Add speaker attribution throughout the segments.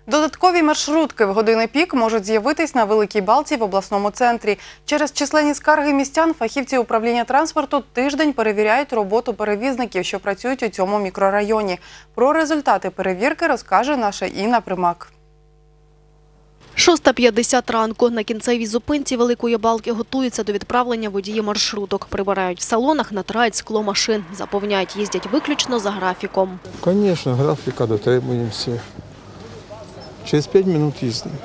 Speaker 1: Додаткові маршрутки в години пік можуть з'явитись на Великій Балці в обласному центрі. Через численні скарги містян фахівці управління транспорту тиждень перевіряють роботу перевізників, що працюють у цьому мікрорайоні. Про результати перевірки розкаже наша Інна Примак.
Speaker 2: 6:50 ранку. На кінцевій зупинці Великої Балки готуються до відправлення водії маршруток. Прибирають в салонах, натирають скло машин. Заповняють, їздять виключно за графіком.
Speaker 3: Звісно, графіка дотримуємося. Через 5 хвилин їздимо.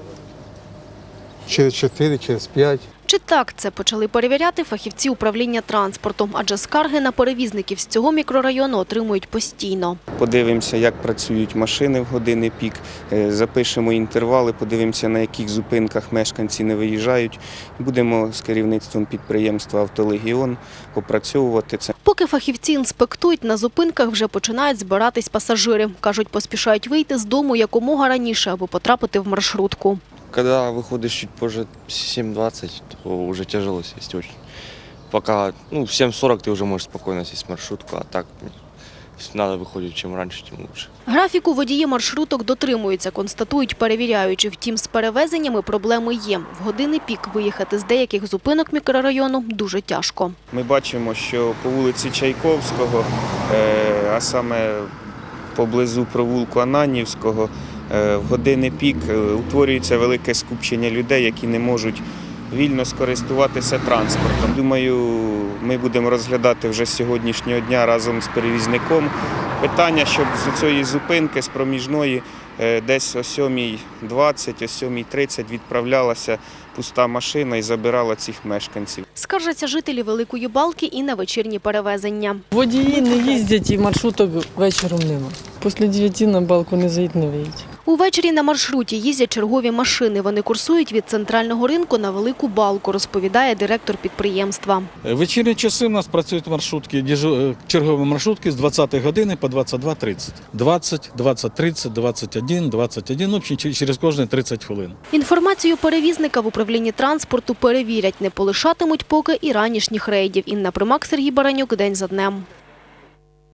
Speaker 3: Через 4, через 5.
Speaker 2: Чи так це почали перевіряти фахівці управління транспорту? Адже скарги на перевізників з цього мікрорайону отримують постійно.
Speaker 4: Подивимося, як працюють машини в години пік, запишемо інтервали, подивимося, на яких зупинках мешканці не виїжджають. Будемо з керівництвом підприємства «Автолегіон» опрацьовувати це.
Speaker 2: Поки фахівці інспектують, на зупинках вже починають збиратись пасажири. Кажуть, поспішають вийти з дому якомога раніше, аби потрапити в маршрутку.
Speaker 5: Когда выходишь чуть позже 7:20, то уже тяжело сесть очень. Пока, в 7:40 ты уже можешь спокойно сесть в маршрутку, а так надо выходить, чем раньше, тем лучше.
Speaker 2: Графіку водії маршруток дотримуються, констатують перевіряючи. Втім, з перевезеннями проблеми є. В години пік виїхати з деяких зупинок мікрорайону дуже тяжко.
Speaker 4: Ми бачимо, що по вулиці Чайковського, а саме поблизу провулку Ананівського, в години пік утворюється велике скупчення людей, які не можуть вільно скористуватися транспортом. Думаю, ми будемо розглядати вже з сьогоднішнього дня разом з перевізником питання, щоб з цієї зупинки, з проміжної, десь о 7:20, о 7:30 відправлялася пуста машина і забирала цих мешканців.
Speaker 2: Скаржаться жителі Великої Балки і на вечірні перевезення.
Speaker 6: Водії не їздять і маршруток вечором нема. Після 9 на балку не заїдь, не виїдь.
Speaker 2: Увечері на маршруті їздять чергові машини. Вони курсують від центрального ринку на Велику Балку, розповідає директор підприємства.
Speaker 7: В вечірні часи у нас працюють маршрутки, чергові маршрутки з 20 години по 22:30. 20, 20:30, 21, 21, в общем, через кожні 30 хвилин.
Speaker 2: Інформацію перевізника в управлінні транспорту перевірять. Не полишатимуть поки і ранішніх рейдів. Інна Примак, Сергій Баранюк. День за днем.